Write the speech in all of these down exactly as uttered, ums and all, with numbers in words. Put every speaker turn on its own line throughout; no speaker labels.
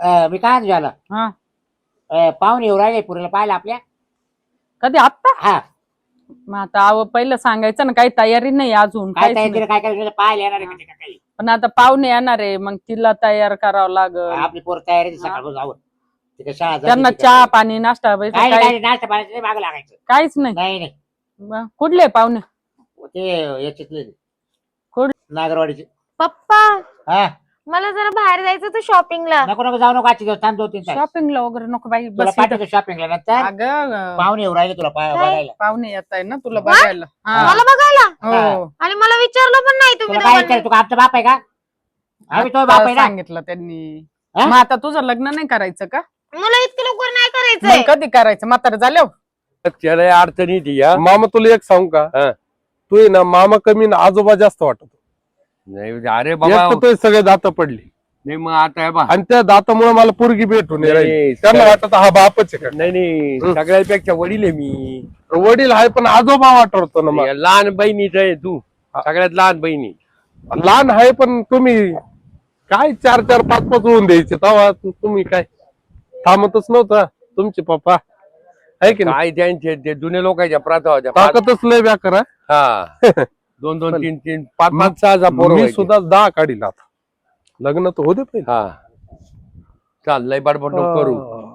अं, मी काय झालं
हा
पाहुणे येऊ राहिले पुरीला पाहिलं आपल्या.
कधी आत्ता?
हा
मग आता अहो पहिलं सांगायचं ना, काही तयारी नाही अजून
काय
काहीच
काय
नाही.
तिला काय काय पाहायला येणार आहे का ते का काही.
पण आता पाहुणे येणार आहे, मग तिला तयार करावं लागल.
आपली पोर तयारी आहे सकाळ जाऊ तिथे शाळा जाते,
त्यांना
तिथे
चहा
काय.
पाणी नाश्ता वगैरे
काय नाही,
काही
काय नाही, नाश्ता पाण्याचं नाही मागं लागायचं.
काहीच नाही.
नाही नाही
मग कुठले पाहुणे?
ते याच्यातले
कुठ
नागरवाडीचे.
पप्पा
हा
मला जरा बाहेर जायचं होतं शॉपिंगला.
नको नको जाऊ नको आजची दिवस थांब दोन तीन तास.
शॉपिंगला वगैरे नको बाई,
तुला
बस
पाठवतो शॉपिंगला नंतर.
अगं
पाहुणे येऊ राहिले तुला पा-
काय?
बघायला.
पाहुणे येत आहे ना तुला बघायला. हा.
मला बघायला
हो
आणि मला विचारलं पण नाही तुम्ही
तुला काय
दोघांनी.
विचार तू आमचा बाप आहे का. आम्ही तो बाप आहे ना.
सांगितलं त्यांनी.
हा?
मग आता तुझं लग्न नाही करायचं का?
मला इतकं लवकर नाही
मग
करायचंय.
कधी करायचं? म्हातारं झाल्यावर.
त्याला अडचणी ती या
मामा तुला एक सांगू का,
हा.
तू आहे ना मामा कमी ना आजोबा जास्त वाटत.
नाही अरे बाबा
एक तर तुझे सगळे दात पडली
नाही मग आता हे बा
आणि त्या दातामुळे मला पोरगी भेटून
नाही,
राहिली. त्यांना
सगळं-
वाटत हा बापच आहे
नाही नाही
हं.
सगळ्यापेक्षा वडील आहे मी.
का वडील आहे पण आजोबा वाटतो ना मग.
या लहान बहिणीच आहे तू, सगळ्यात लहान बहिणी.
लहान आहे पण तुम्ही काय चार चार पाच पाच होऊन द्यायचे तेव्हा तुम्ही काय थांबतच नव्हता तुमचे पप्पा आहे की नाही.
काय त्यांचे ते जुने लोकांच्या प्रथा होत्या. पाच-
ताकदच लय व्याकर आहे.
हा दोन दोन तीन तीन पाच पाच सहा सहा पोरं
मी
व्हायचे.
सुद्धा दहा काढील आता. लग्न तर होते पहिले.
हा चाल लय बडबड नको करू.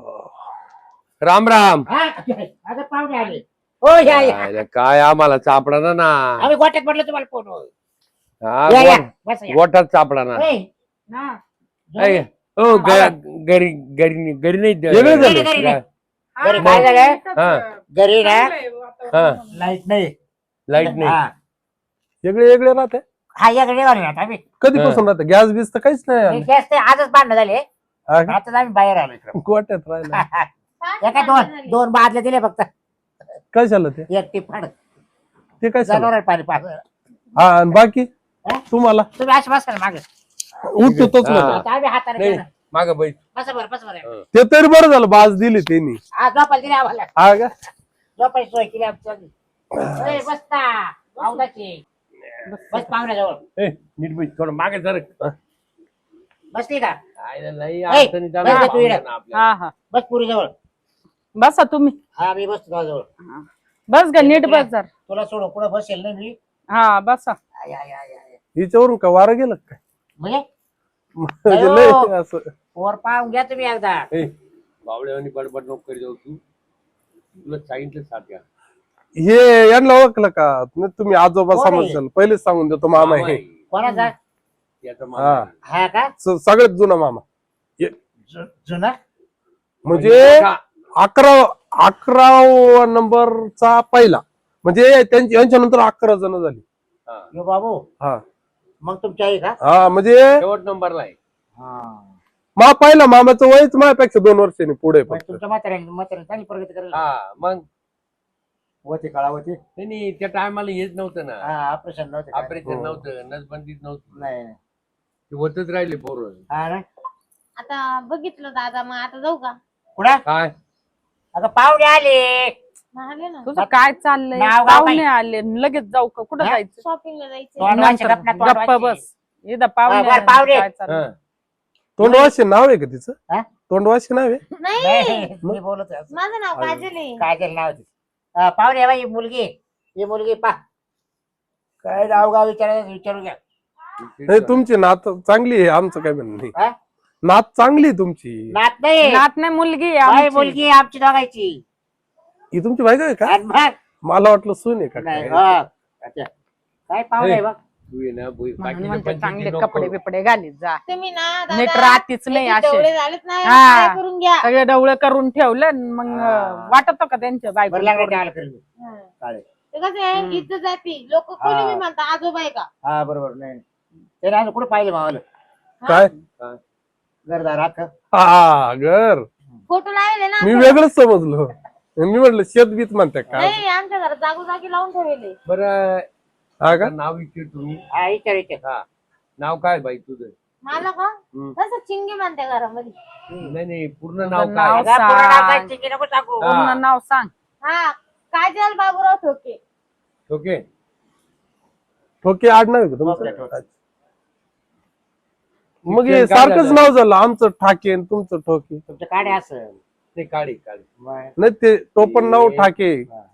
राम राम.
हा, आता पाहुणे आले. हो या या.
काय काय आम्हाला चापडा ना ना
आम्ही गोट्यात पडलो तुम्हाला फोन.
हा,
या या
गो-
बस या.
गोठात चापडा ना.
ए, ना.
ऐ, हो ग- घरी घरी घरी नाही
वेगळे झाले.
घरी नाही. घरी काय झालं
हा
घरी ना
हा
लाईट नाही.
लाईट नाही.
हा
वेगळे वेगळे राहते.
हा या घरी आलो आता आम्ही.
कधीपासून राहते गॅस बीस तर काहीच नाही
हे
आलं.
गॅस ते आजच भांडणं झाले.
हा का?
आताच आम्ही बाहेर आलो इकडं.
गोट्यात राहिला
या काय दोन दोन बादल्या दिले फक्त.
काय झालं ते
एक टिपाड
ते काय झालं
जनावर पाणी पाच.
हा आणि बाकी
हा?
तुम्हाला
तुम्ही अशी बसा मागे.
उठतोच
हा.
ना.
आता आम्ही हाताने
नाही
केलं.
माग बैठ.
बसा बरं बसा बरं.
ते तरी बरं झालं बाज दिली त्यांनी.
हा झोपायला दिली आम्हाला.
हा का
झोपायची सोय केली आमच्या. ए, बसता पाहुण्याची. बस पाहुण्याजवळ
ए, नीट बैठ थोडं मागे जर
बसली का.
काय लई
ए,
अडचणी चालू
बस
आहे
गं तू इकडं.
पाहुण्यांना आपल्या.
हा हा
बस पुरी जवळ.
बसा तुम्ही.
हा मी बसतो तुझ्याजवळ.
बस ग नीट बस जर.
तुला सोडून कुठं बसेल नाही मी.
हा बसा.
आय, आय, आय, आय.
हिच्यावरून का वारं गेलं का काय
म्हणजे
म्हणजे लय असं
वर पाहून घ्या तुम्ही एकदा.
ए, बावळेवानी बडबड नको करी जाऊ तू. तुला सांगितलं साथ घ्या.
हे यांना ओळखलं का नाही तुम्ही आजोबा
कोण आहे?
समजलं पहिलेच सांगून देतो मामा
मामा
हे
आहे.
कोणाचा.
याचा मामा
हा.
आहे.
हा का
स- सगळ्यात जुना मामा
जु- जुना.
म्हणजे अकरा अकरा नंबरचा पहिला म्हणजे त्यांची यांच्या नंतर अकरा जण झाली.
हा.
यो बाबू
हा
मग तुमची आई का.
हा म्हणजे
शेवट नंबरला आहे.
हा
मा पहिला मामाचं वयच माझ्यापेक्षा दोन वर्षांनी पुढे
मग
फक्त.
तुमच्या म्हाताऱ्या म्हाताऱ्या चांगली प्रगती करेल.
हा मग
होते काळा होते.
नाही, नाही त्या टायमाला येत नव्हतं ना.
हा ऑपरेशन नव्हते काय.
ऑपरेशन
हो.
नव्हतं नसबंदीत नव्हतं.
नाही नाही.
ते होतच राहिले पोरं.
हा ना
आता बघितलं दादा, मग आता जाऊ का?
कुठं
काय
आता पाहुणे आले.
मग आले ना
तुझं काय चाललंय?
नाव गाव
पाहुणे
काय?
आले लगेच जाऊ का? कुठं
हा?
जायचं?
शॉपिंगला जायचं.
तोंड वाचे,
नंतर
गप्पा तोंड
गप्पा
वाचे.
बस. इथं पाहुणे
हा, बरं,
आले,
पाहुणे.
काय चाललंय?
हा.
तोंडवाशी नाव आहे का तिचं
हा?
तोंडवाशी नाव आहे.
नाही
नाही मी बोलत आहे असं.
माझं नाव काजल आहे.
काय केलं नाव तिचं? हा, पाहुणे आहे बाई, ही मुलगी ही मुलगी पा काय नाव गाव विचारायचं विचारू घ्या.
नाही तुमची नात चांगली आहे आमचं काय म्हणणं नाही.
हा?
नात चांगली आहे तुमची.
नात नाही
नात नाही मुलगी आहे
बाई,
आमची.
मुलगी आहे आमची दोघायची.
ही तुमची बायको आहे का?
आणि मग
मला वाटलं सून आहे का
नाही
काय?
हा. अच्छा. काय पाहुणे आहे बघ.
तू ये ना बोई-
म्हणून
बाकीचं
म्हणते
पंचायती
चांगले
नको
कपडे
करू.
बिपडे घालीत जा.
तुम्ही ना
नीट
दादा
राहतीच नाही
याचे
असे.
डोळे झालेत ना,
हा.
काय करून घ्या.
सगळे डवळे करून ठेवलं आणि मग
हा.
वाटत का त्यांच्या
बरं लागलं
बायको
काय करेल मी.
हा.
चालेल.
ते कसं आहे, इज्जत जाती. लोक कोणी
हा.
बी म्हणतात आजोबा आहे का.
हा बरोबर नाही ते नाही कुठे पाहिजे मावाला
काय
घरदार राख.
हा घर
फोटो लावले ना
मी
आमच्या
वेगळंच समजलो. मी म्हटलं शेत बीत म्हणते
घरात.
काय
नाही, आमच्या घरात जागोजागी लावून ठेवले.
बरं
हा का
आता नाव विचार तुम्ही.
हा विचार विचार.
हा नाव काय बाई तुझं?
मला का
हम्म.
तसं चिंगी म्हणते घरामध्ये.
नाही नाही पूर्ण
तुझं
नाव
नाव
काय?
अगं, पूर्ण नाव
सांग.
काय चिंकी नको सांगू.
हा.
पूर्ण नाव सांग.
हा, काजल बाबूराव ठोके.
ओके
ठोके आडनाव आहे का
ठोके,
तुमचं?
ठोके.
मग हे
शिक्षण काय
सारखंच
झालं?
नाव झालं आमचं ठाके आणि तुमचं ठोके.
तुमच्या काढे असेल
ते काढे काढे
मग.
नाही ते तो पण नाव ठाके.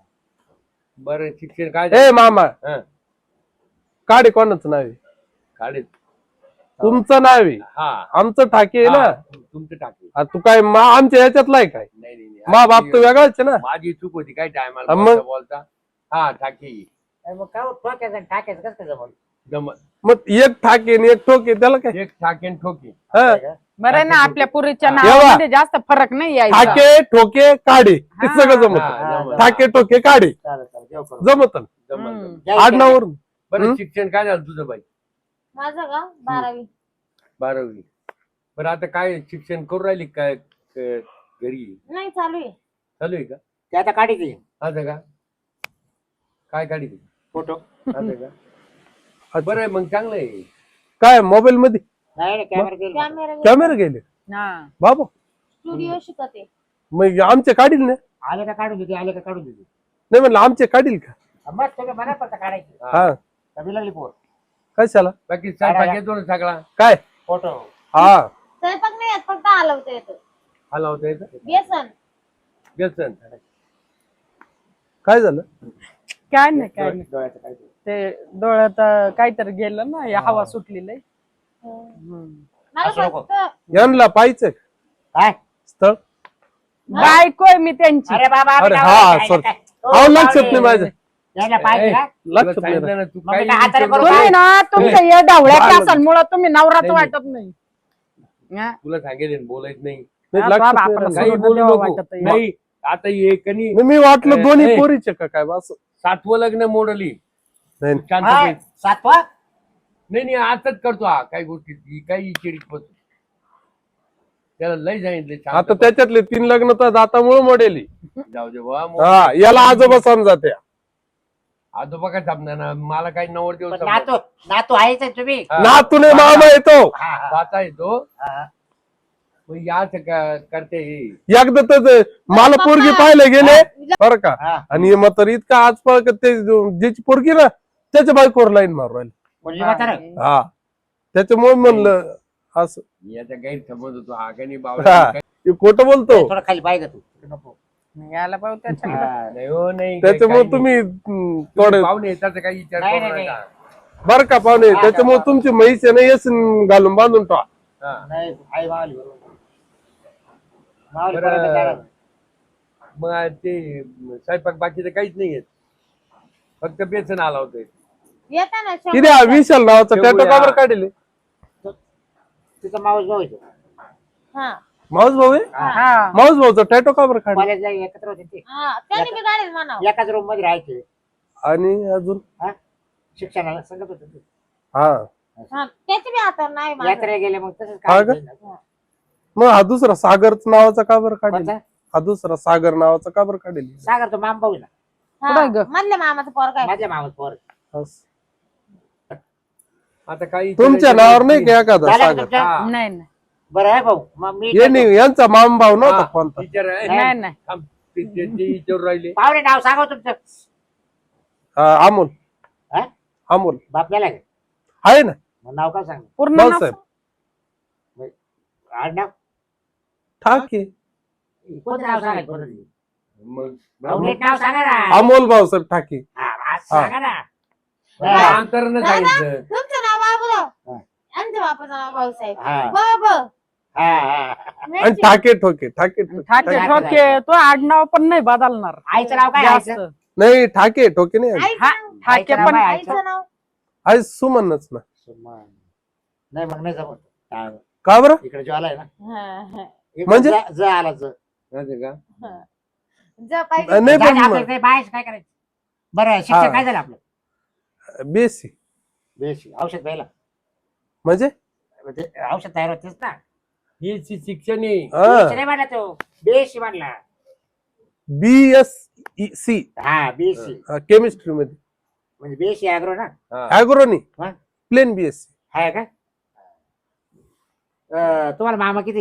बरं शिक्षण काय
ए
झालं?
मामा
हं,
काढे कोणाचं नाव आहे?
काढे
तुमचं नाव आहे,
हा
आमचं ठाके आहे ना.
हा, तुमचं टाके
आ, तू काय मा आमच्या ह्याच्यातला आहे काय?
नाही नाही नाही.
मा बाप तर वेगळाच आहे ना.
माझी चूक होती काय
हा,
टायमाला
मग?
बोलता बोलता हा ठाके
अरे मग काय ठोक्याचं आणि टाक्याचं कसं काय जमलं?
जमत
मग एक ठाके आणि एक ठोके त्याला काय?
एक ठाके आणि ठोके
हा.
बरं आहे ना आपल्या पुरीच्या
एव्हा.
नावामध्ये जास्त फरक नाही यायचा.
ठाके ठोके काढे हे
हा.
सगळं जमत.
हा, जमत.
ठाके ठोके काढे
चालेल चालेल जेव करू.
जमत
जमत
हम्म.
जमत.
या इकडे.
आडनावरून.
बरं
हं?
शिक्षण काय झालं तुझं बाई?
माझं का बारावी.
बारावी. बरं आता काय शिक्षण करू राहिली काय क- घरी
नाही चालू आहे.
चालू आहे का?
ते आता काढी ती
असं का? काय काढी ती?
फोटो
असं का? बरं आहे मग चांगलं आहे.
काय मोबाईल मध्ये
नाही नाही कॅमेरा गेला
कॅमेरा
कॅमेरा गेले
हा.
बाबा.
स्टुडिओ शिकते.
मग आमचे काढील ना.
आले का काढून देते आले का काढून देते
नाही म्हणलं आमचे काढील का?
मग तुम्ही मला पडता काढायची
हा
कमी लागली पोर
कशाला
बाकी स्वयंपाक येतो ना सगळा
काय?
फोटो
हा
स्वयंपाक नाही येत फक्त हलवता येतं.
हाला होता येतं
बेसन.
व्यसन
काय झालं?
काय नाही काय नाही
डोळ्याचं काय ते.
ते डोळ्यात अं, काहीतरी गेलं ना या हवा सुटलेली आहे.
मला
असं नको.
फक्त
यांना पाहिजे
काय
स्थळ.
बायको आहे मी त्यांची.
अरे बाबा आम्ही
अरे
नाव
हा
नाही
सॉरी.
काय? ओ,
अहो लक्षात
पाहुणे.
नाही माझ्या.
यायला पाहिजे का?
लक्षात नाही
सांगितलं ना तू
मग
काही
मी हाताने
विचारू
करू
नको.
तुम्ही ना तुमच्या या ढवळ्याच्या
बाळ.
असाल तुम्ही नवराच
नाही,
वाटत नाही. हा?
तुला सांगेल बोलायच नाही
नाही,
हा,
लक्षात
बाबा,
नाही
आपलं
ना.
काही
सोडून
बोलू
द्यावं
नको.
वाटत आहे.
नाही आता ये कनी
नाही, मी वाटलं
ए,
दोन्ही
ए.
पोरीचे का काय बा असं.
सातवं लग्न मोडली
नाही
शांत
हाय,
बैस.
सातवा
नाही नाही आताच करतो हा काही गोष्टी ही काही चिडीत बसतो त्याला लय सांगितले शांत
आता
बस.
त्याच्यातले तीन लग्न तर दातामुळे मोडेली.
जाऊ दे बा मग
हा याला आजोबा समजा त्या.
आजोबा काय थांबणार ना मला काही नव्वद दिवस
पण नातू नातू आहेच आहे तुम्ही
नातूने मामा येतो
हा, हा,
पाहता येतो
हा.
मग याच का- करते हे.
एकदा तर मला पोरगी पाहायला गेले बरं का.
हा.
आणि हे म्हातार इतका आजपाळ का ते ज्याची पोरगी ना त्याच्या बायकोवर लाईन मारू राहिली.
मुलगी म्हातारं?
हा त्याच्यामुळे म्हणलं असं
याचा गैरसमज होतो हा काही
हा.
बावळा
हे खोटं बोलतो
थोडं खाली पाहिजे तू नको
यायला पाहू त्याच्या
हा.
नाही हो नाही
त्याच्यामुळे
काही
तुम्ही
नाही.
हम्म,
तुम्ही
थोडे
पाहुणे येतात काही विचार
नाही,
करू
नाही,
नका.
बरं का पाहुणे त्याच्यामुळे तुमची म्हैस आहे ना येस घालून बांधून ठेवा.
हा.
नाही आई मावली बरोबर मावली
बरं.
पर्यंत जाणार.
मग ते स्वयंपाक बाकीचं काहीच नाही येत फक्त बेसन आला होतं
येतं ना
किती हा
शंभर.
विशाल नावाचा
शेवया.
टॅटो काबर काढले?
तिचा मावस भाऊ येतो
हा
माऊस भाऊ आहे.
हा
माऊस भाऊचा टॅटो काबर काढले?
कॉलेजला एकत्र होते ते
हा त्याने बी गाडीत म्हणावं.
एकाच रूम मध्ये राहायचे
आणि अजून
हा शिक्षणाला सांगत होते ते.
हा
हा त्याची बी हातावर नाही माझं.
यात्रेला गेले मग तसंच
हा
काय
का?
केलं.
मग हा दुसरा सागर नावाचा काबर काढले?
कोणता?
हा दुसरा सागर नावाचा काबर काढले?
सागर तो माम भाऊ ना
हा,
कुठं ग?
मधल्या मामाचं पोर काय
माझ्या मामाच पोर
असं.
आता काही
तुमच्या नावावर नाही का एखादा
झालं का
सागर?
तुमच्या?
हा.
नाही नाही
बरं आहे भाऊ मग मी
ये नाही यांचा माम भाऊ नव्हता कोणता.
टीचर आहे
नाही नाही
थांब, ते- ते- ते विचारून राहिले
पाहुणे नाव सांगा तुमचं
हा, अमोल
हा?
अमोल
बापल्याला का?
आहे ना
मग नाव काय सांग
पूर्ण नाव
भाऊसाहेब
आडनाव
ठाके.
कोणतं नाव सांगायचं कोणतं?
मग
भाऊ, नीट नाव सांगा ना
अमोल भाऊसाहेब ठाके.
हा, आज सांगा ना
अंतरनं सांगितलं
तुमचं नाव बाबूराव
हा.
आमच्या बापाचं नाव भाऊसाहेब.
हा.
बाब
हा, हा.
आणि ठाके ठोके ठाके ठोके.
ठाके
ठाके.
ठोके तो आडनाव पण नाही बदलणार
आईचं नाव काय
जास्त
आईचं?
नाही ठाके ठोके नाही आहे.
हा, ठाके
आईचं नाव
पण
काय?
आईचं नाव
आहे सुमनच ना.
सुमन. नाही मग नाही जमत हा.
का बरं?
इकडे ज्वाला आहे ना
हा, हा.
इकडे
म्हणजे?
ज- ज आला ज
असं का
हा. जा पाहिजे
नाही
जा- जा
पण
आपलं ते बाहेर काय करायचं बरं शिक्षण
हा.
काय झालं आपलं
बेसी
बेस औषध प्यायला
म्हणजे
म्हणजे औषध तयार होतेच ना
हे शि- शिक्षण आहे
बेस नाही म्हणला तो बेस म्हणला
बी एस सी
हा बेसी
केमिस्ट्री मध्ये
म्हणजे बेसी अॅग्रो ना
हा.
अॅग्रोनी
हा.
Plain B S C.
आहे का अं, तुम्हाला मामा किती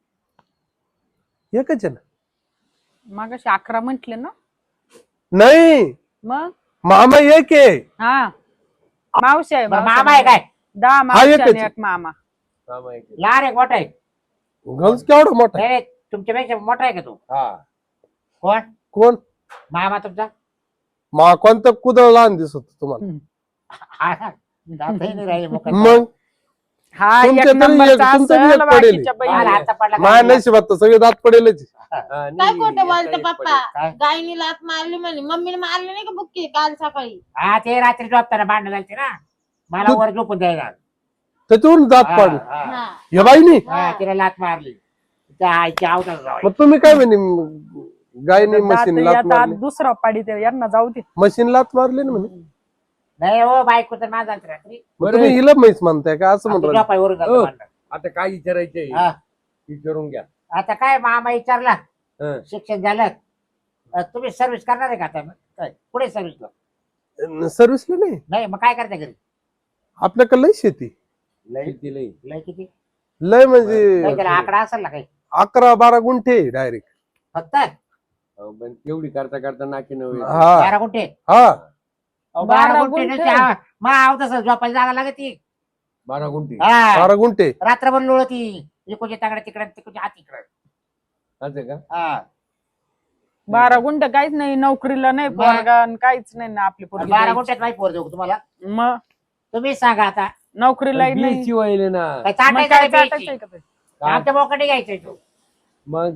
एकच आहे ना.
मागाशी अकरा म्हंटले ना
नाही
मग
मामा एक आहे.
हा मावशी आहे
बरं,
मावशी
मामा आहे काय
दहा
हा,
मावशी
एकच
आणि
आहे.
एक मामा
हा, माहिती.
लहान आहे मोठा आहे?
गंज केवढा मोठा आहे?
नाही नाही, तुमच्यापेक्षा मोठा आहे का तू?
हा
कोण?
कोण
मामा तुमचा?
मा कोणतं कुदळ लहान दिसत होतं तुम्हाला?
हा ना, दातही नाही राहिले मोकळे.
मग
हा
तुमच्या
एक
तरी
नंबरचा
एक- तुमचं बी
असेल,
एक पडेल.
बाकीच्या
मला
बाई
हातचा पडला का?
माया नशिबात तर सगळे दात पडेलच.
हा,
काय
नाही,
खोटं
एका
बोलतो
एक
पप्पा?
पडेल.
गायनी लात मारली म्हणे, मम्मीने मारली नाही का बुक्की काल सकाळी?
हा ते रात्री झोपताना भांडण झालते ना, मला
तू-
वर झोपून द्यायला.
त्याच्यावरून दात
हा,
पाडले
हा.
हा.
या बाईनी.
हा, तिला लात मारली. त्या आईच्या आवतात
मग तुम्ही काय म्हणे गायनी मशीन
दात
लात
यात
मारली?
आत दुसरा पाडी ते यांना जाऊ दे.
मशीन लात मारली ना म्हणे.
नाही हो, बायको तर माझा झालती रात्री.
मग
बरं
तुम्ही
आहे.
हिला म्हैस म्हणताय का असं
आता
म्हणतो?
झोपायवरून झालतं
हो.
भांडण.
आता काय विचारायचंय
हा.
विचारून घ्या.
आता काय मामा विचारला,
हं.
शिक्षण झालं, अ, तुम्ही सर्व्हिस करणार आहे का आता? काय पुढे सर्व्हिसला?
सर्व्हिसला नाही,
नाही मग काय करता घरी?
आपल्याकडे लय शेती.
लय
किती लई?
लय किती?
लय म्हणजे
काय त्याला आकडा असेल ना काही?
अकरा बारा गुंठे डायरेक्ट.
फक्त
अहो, पण एवढी करता करता नाकी नव्हे.
हा
बारा गुंठे?
हा
अहो, बारा
बारा
गुंठे
गुंठे?
नुसते हा- मग आव तसं झोपायला जागा लागत ती.
बारा गुंठी
हा,
बारा गुंठे.
रात्रभर लोळती, इकडच्या ताकडे तिकडे तिकडच्या हात तिकडे.
असं का?
हा,
बारा गुंठ काहीच नाही, नोकरीला नाही
मग?
पोरगा आणि काहीच नाही ना आपली पोरगी
बारा
द्यायची.
गुंठ्यात माहिती पोर देऊ का तुम्हाला?
मग
तुम्ही सांगा आता.
नोकरीला नाही.
बीएससी व्हायले ना.
काय
मग
चाटायचं
काय
नाही बियची?
चाटायचंय का ते?
काय?
आमच्या मोकडे घ्यायचंय तू.
मग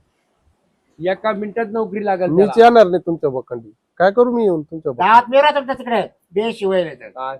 एका मिनिटात नोकरी लागेल
मीच
त्याला.
येणार नाही तुमच्या बखंडी. काय करू मी येऊन तुमच्या बखंडी?
गावात मिळवा तुमच्या तिकडे बेशिवाय तर.
काय?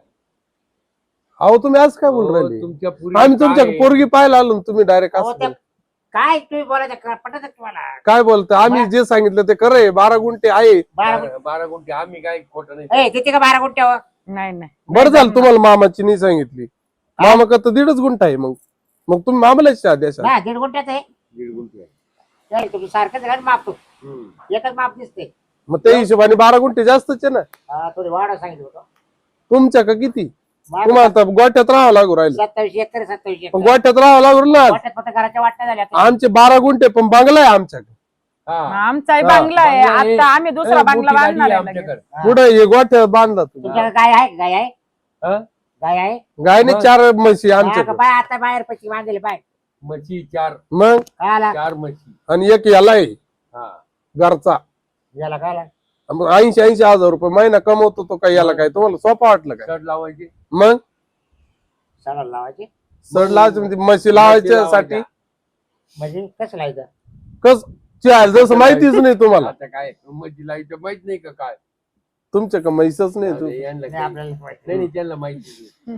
अहो तुम्ही आज काय बोल
हो,
राहिले?
तुमच्या पुरी
आम्ही तुमच्या
काय-
पोरगी पाहायला आलो ना, तुम्ही डायरेक्ट
अहो,
असं
ते-
बोल-
काय तुम्ही बोलायचं क- पटत तुम्हाला?
काय बोलता? आम्ही जे सांगितलं ते खरंय. बारा गुंठे आहे.
बारा
बारा बारा गुंठे आम्ही काय खोटं नाही.
गुंठे किती का बारा गुंठ्यावर?
नाही नाही
बरं झालं तुम्हाला मामाची नाही सांगितली. मामा का तर दीडच गुंठा आहे. मग मग तुम्ही मामालाच चहा द्या.
ना दीड गुंठ्यात आहे.
दीड गुंठे आहे.
काय तुम्ही सारखंच आहे का माप तू?
हम्म.
एकच माप दिसते.
मग त्या हिशोबाने बारा गुंठे जास्तच आहे ना.
हा, थोडी वाढ सांगितलं होतं.
तुमच्या का किती?
माझं
तुम्हाला तर गोट्यात राहावं लागू राहिलं.
सत्तावीस एकर सत्तावीस
पण
एकर
गोट्यात राहावं लागू ना.
वाटत फक्त घराच्या वाटण्या झाल्या आता.
आमचे बारा गुंठे पण बांगला आहे आमच्याकडे.
हा.
आमचाही
हा,
बांगला आहे.
बांगला आहे.
आता आम्ही दुसरा
ए,
बांगला
मोठी गाडी
बांधणार
आहे
आहे लगेच.
आमच्याकडे.
हा.
कुठे हे गोठ्या बांधला तुम्ही?
तुमच्याकडे गाय आहे? गाय आहे?
हा?
गाय आहे?
गायने
मग?
चार म्हशी
हा, का
आमच्याकडे.
बाय आता बाहेर पैसे बांधले बाय.
म्हशी चार
मग
काय आला?
चार म्हशी.
आणि एक याला आहे
हा.
घरचा.
याला काय आला?
ऐंशी ऐंशी हजार रुपये महिना कमवतो तो. काय याला काय तुम्हाला सोपा वाटलं काय?
शर्ट लावायची.
मग
सणाला लावायचे
सड लावायचं म्हणजे म्हशी लावायच्यासाठी
म्हणजे कसं लावायचं?
कस चाल जसं माहितीच नाही तुम्हाला.
आता काय म्हशी लावायचं माहित नाही का काय?
तुमच्या का म्हैसच नाही तू.
अरे, यांना
नाही,
काही-
आपल्याला माहिती
नाही नाही, त्यांना माहिती नाही.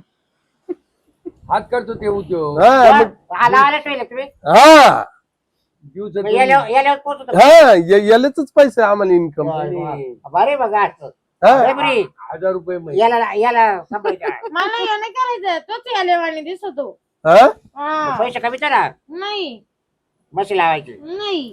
हात करतो ते उद्योग
हा मग-
हा, लावायला ठेवले तुम्ही?
हा
दिवसात
मग याल्यावर याल्यावर पोहोचतो.
हा या- यालाच पैसे आम्हाला इन्कम.
बरे बघा असं.
हा
बरे बरी.
हजार रुपये म्हशी.
याला याला सांभाळायचं आहे.
मला हे नाही करायचं, तोच यालेवाणी दिसतो.
हा
हा.
पैसे कमी करा.
नाही
म्हशी लावायची.
नाही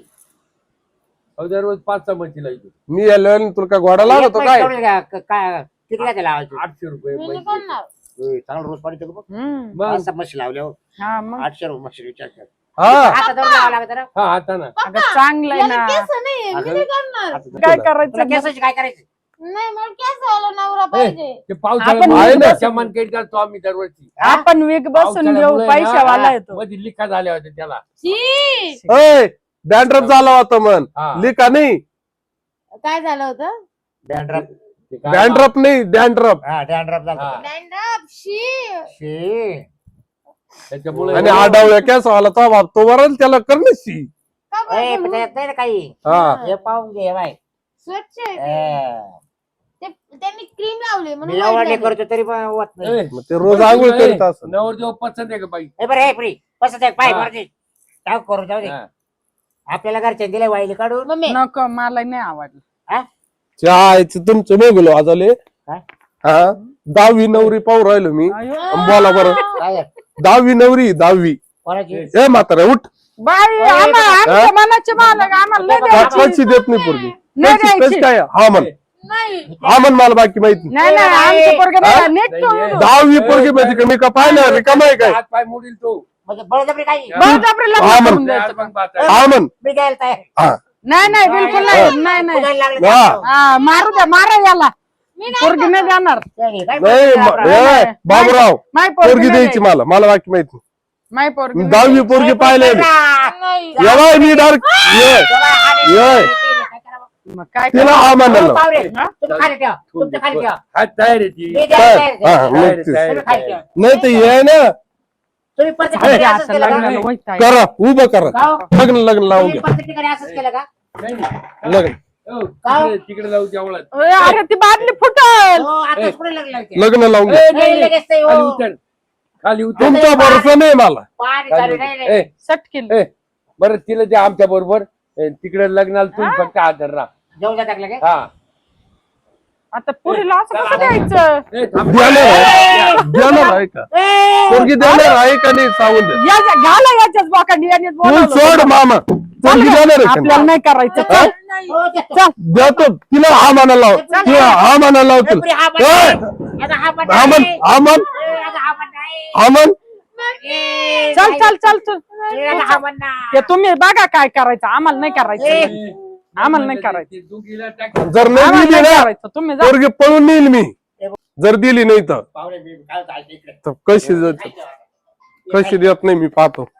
अहो, दररोज पाच सहा म्हशी लावायची.
मी याला तुला काय घोडा लागतो
एक
काय?
म्हैस तेवढी का- काय किती काय लावायची?
आठशे रुपये
मी नाही
म्हशी.
करणार.
होय, चांगलं रोज पाणी बघ.
हम्म.
मग
पाच सहा म्हशी लावल्या हो.
हा मग
आठशे रुपये म्हशी विचार कर.
हा
आता दर लावा लागत ना.
हा आता ना
अगं चांगलंय
याला
ना.
केस नाही, मी नाही करणार.
आता
काय
तुला
करायचं
केसाची काय करायचं?
नाही मला केस वाला नवरा पाहिजे.
ते
आपण
पावसाळ्यात
आहे
सामान काही करतो आम्ही दरवर्षी.
आपण विक बसून घेऊ, पैशावाला येतो.
मध्ये लिखा झाल्या होत्या त्याला.
शी
अय डॅन्ड्रफ झाला होता मन
हा.
लिका नाही.
काय झालं होतं?
डॅन्ड्रफ.
ते काय-
डॅन्ड्रफ नाही डॅन्ड्रफ.
हा डॅन्ड्रफ झाला.
हा.
Stand-up, शी
शी.
त्याच्यामुळे
आणि आडावल्या केसवाला तो बाप तो वरल त्याला करण्याची.
का बरं
ए, पण
बोलू?
त्याच्यात नाही ना काही.
हा
हे पाहून घे बाय.
स्वच्छ आहे ते.
ए,
ते- त्यांनी क्रीम लावली म्हणून
मी
white
एवढं
झाली.
करतो तरी पण होत नाही.
ए,
मग ते रोज आंघोळ करीत असत.
नवरदेव पसंत आहे का बाई?
ए बरं हे फ्री पसंत आहे पाय
हा.
वरती. टाक करू जाऊ दे.
हा.
आपल्याला घरच्या दिले वाईली काढून.
मम्मी
नको मला नाही आवडलं.
हा?
चायच तुमचं वेगळं वाजवले.
काय?
हा दहावी नवरी पाहू राहिलो मी.
अयो.
बोला बरं.
काय
दहावी नवरी दहावी.
कोणाची?
ए म्हातारा उठ.
बाई आम्हा- आमच्या मनाचे मालक आम्हाला नाही
का-
द्यायची.
पैसे देत नाही पोरगी.
नाही
पैसे- पैसे
द्यायची.
काय हा म्हण
नाही
हा म्हण मला बाकी माहिती नाही.
नाही नाही आमचे पोरगे नाही नीट
नाही,
ठेवून
नाही.
देऊ.
दहावी पोरगी माहिती का मी का पाहिलं रिकाम आहे काय?
हात पाय मोडील तो.
म्हणजे बळजबरी काही
बळजबरी लग्न
हा,
करून
मग.
द्यायचं.
आज मग पाहता.
हा म्हण
मी द्यायला तयार.
हा
नाही नाही बिलकुल नाही नाही नाही
कुणाला लागलं
हा.
तर
हा मारू द्या मारा याला
मी नाही
पोरगी नाही देणार.
नाही, काय
नाही
बोलतो
म-
आपण?
ए, बाबूराव
माय
पोरगी
नाही
द्यायची मला मला बाकी माहिती
माय पोरगी
दहावी पोरगी पाहिले
नाही
एवढा मी डायरेक्ट ये ये.
मग काय
तिला हा म्हणाल
पाहुणे तुम्ही खाली ठेवा तुमचं खाली ठेवा
हा तयार आहे ती
मी द्यायला तयार आहे.
हा,
तयार आहे,
नक्कीच.
तयार
तुम्ही
आहे,
खाली
तयार
ठेवा
आहे.
नाही तर ये ना
तुम्ही प्रत्येक
अरे,
ठिकाणी असंच
आता
केलं का?
लग्नाला वैत आहे.
करा उभं करा
का हो?
लग्न लग्न लावून
तुम्ही
घ्या
प्रत्येक ठिकाणी असंच केलं का
नाही, नाही.
लग्न
हो, तिकडे तिकडे लावू जेवढा
अरे अरे, ती बादली फुटल
हो आता कुठे लग्न लावते?
लग्न लावून घ्या
नाही, लगेच नाही, हो.
खाली उतर खाली उतर
तुमचा भरोसा नाही मला
पाणी
खाली
चालू
उतर.
नाही, नाही.
ए,
सटकिल
ए, बरं तिला ते आमच्या बरोबर तिकडे लग्नाला तुम्ही फक्त हजर राहा
जाऊ द्या टाकलं काय
हा
आता पुरीला असं कसं द्यायचं
ए, थांब.
देणार आहे देणार आहे का पोरगी देणार आहे का नाही सांगून दे
या घाला याच्याच बोकांडी यांनीच
तू
बोलावलं.
सोड मामा पोरगी देणार आहे का
आपल्याला
नाही?
नाही करायचं
हा?
हो, देतो.
चल
देतो तिला हा म्हणायला लाव तिला हा म्हणायला लाव
ए, पुरी
तिला
हा पण
ए,
नाही. आता हा पण
हा म्हण
नाही.
हा म्हण
ए, आता हा पण नाही.
हा म्हण
ए,
चल
नाही.
चल चल चल
ए, आता हा पण नाही.
ते तुम्ही बघा काय करायचं आम्हाला नाही करायचं
ए.
आम्हाला नाही करायचं
ते दुखीला टाक.
जर नाही
आम्हाला
दिली
नाही
ना
करायचं तुम्ही जा
पोरगी पळून नेईल मी जर दिली नाही तर
पाहुणे, मी काय होतं, ऐक इकडे.
तर कशी देत- कशी देत नाही मी पाहतो